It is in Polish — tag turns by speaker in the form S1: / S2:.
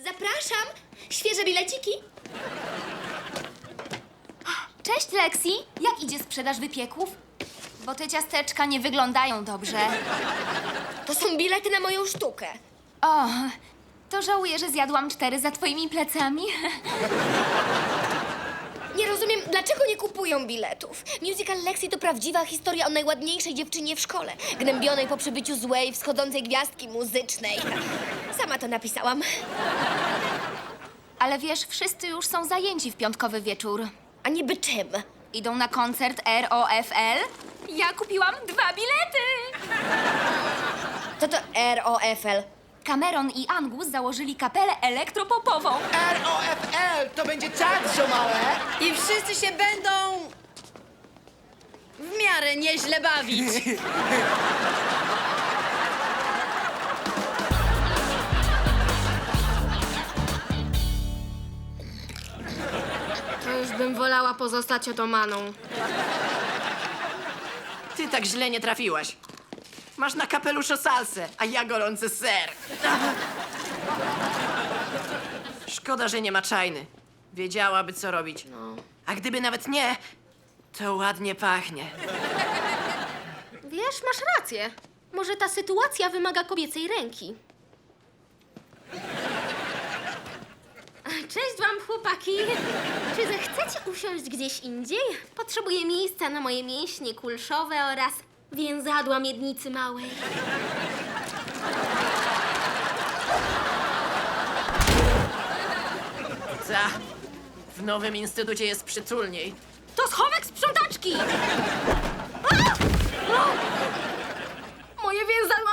S1: Zapraszam! Świeże bileciki?
S2: Cześć, Lexi. Jak idzie sprzedaż wypieków? Bo te ciasteczka nie wyglądają dobrze.
S1: To są bilety na moją sztukę.
S2: O, to żałuję, że zjadłam 4 za twoimi plecami.
S1: Nie rozumiem, dlaczego nie kupują biletów. Musical Lexi to prawdziwa historia o najładniejszej dziewczynie w szkole, gnębionej po przybyciu złej, wschodzącej gwiazdki muzycznej. Sama to napisałam.
S2: Ale wiesz, wszyscy już są zajęci w piątkowy wieczór.
S1: A niby czym?
S2: Idą na koncert ROFL. Ja kupiłam 2 bilety.
S1: To ROFL.
S2: Cameron i Angus założyli kapelę elektropopową.
S3: ROFL to będzie czad ziomałe.
S4: I wszyscy się będą w miarę nieźle bawić. To już bym wolała pozostać otomaną.
S3: Ty tak źle nie trafiłaś. Masz na kapeluszu salsę, a ja gorący ser. Szkoda, że nie ma czajny. Wiedziałaby, co robić. A gdyby nawet nie, to ładnie pachnie.
S4: Wiesz, masz rację. Może ta sytuacja wymaga kobiecej ręki. Cześć wam, chłopaki. Czy zechcecie usiąść gdzieś indziej? Potrzebuję miejsca na moje mięśnie kulszowe oraz więzadła miednicy małej.
S3: Ta, w nowym instytucie jest przytulniej.
S4: To schowek sprzątaczki! Moje więzadła